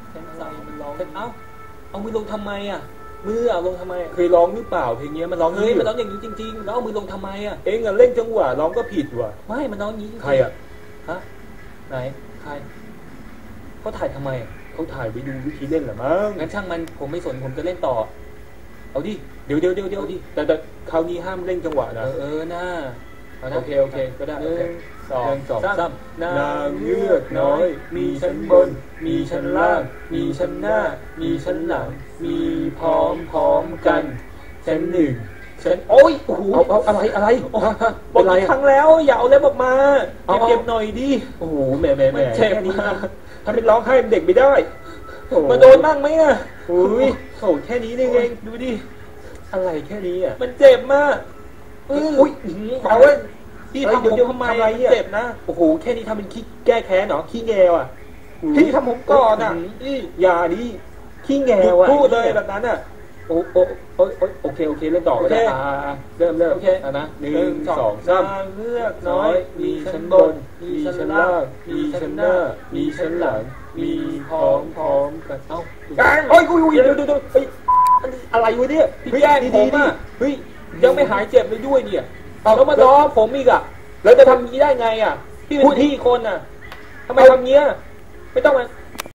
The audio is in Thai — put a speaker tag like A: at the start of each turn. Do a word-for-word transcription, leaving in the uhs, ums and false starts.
A: แค่อะไรมันร้องเอ้าเอามือลงทำไมอ่ะมือเอาลงทำไม
B: เคยร้องหรือเปล่าเพลงนี้มันร้อง
A: เฮ้ยมันร้องอย่างนี้จริงๆแล้วเอามือลงทำไมอ่ะ
B: เองอะเล่นจังหวะร้องก็ผิดว่ะ
A: ไม่มันร้องอย่างนี้
B: ใครอ่ะ
A: ฮะไหนใครเขาถ่ายทำไม
B: เขาถ่ายไปดูวิธีเล่นเหรอมั้ง
A: งั้นช่างมันผมไม่สนผมจะเล่นต่อเอาดิเดี๋ยวเดี๋ยวเดี๋ยวเดี๋ยวดิ
B: แต่แต่คราวนี้ห้ามเล่นจังหวะนะ
A: เออเออน่า
B: โอเคโอเคก็ได้
A: หนึ่งสองสาม
B: นางเงือกน้อยมีชั้นบนมีชั้นล่างมีชั้นหน้ามีชั้นหลังมีพร้อมพร้อมกันชั้นหนึ่งชั้นโอ้ยโอ้โหเอาอะไรอะไรบอกกี่ครั้งแล้วอย่าเอาเล็บออกมาเก็บหน่อยดิโอ้โหแหมแหมแหม
A: เจ็บมาก
B: ถ้าเป็นร้องไห้เด็กไม่ได้
A: มาโดนบ้างไหมอ่ะ
B: อุ้ยโอ้แค่นี้นี่เองดูดิอะไรแค่นี้อ่ะ
A: มันเจ็บมากอุ้ยเอาไว้พี่ทำผมทำไมเจ็บนะ
B: โอ้โหแค่นี้ทำเป็นขี้แก้แค้นเหรอขี้แงวอ่ะพี่ทำผมก่อนอ่ะอย่าดิขี้แงวอ่ะ
A: พูดเลยแบบนั้นอ่ะ
B: โอ้โอ้โอ้โอเคโอเคเริ่มต่อก็ได้เริ่มเริ่มโอเคนะหนึ่งสองสาม
A: เลือก
B: น้อยมีชั้นบนมีชั้นล่างมีชั้นหน้ามีชั้นหลังมีพร้อมพร้อมกันเอ้าโอ้ยอุ้ยเดี๋ยวเดี๋ยวเฮ้ยอะไรวะเนี่ย
A: พี่แย่งผมอ่ะ
B: เฮ้ยยังไม่หายเจ็บเลยด้วยเนี่ย
A: แล้วมาล้อผมอีกอ่ะ
B: แล้วจะทำงี้ได้ไงอ่ะ
A: พี่เป็นพี่คนอ่ะทำไมทำเงี้ยไม่ต้องมา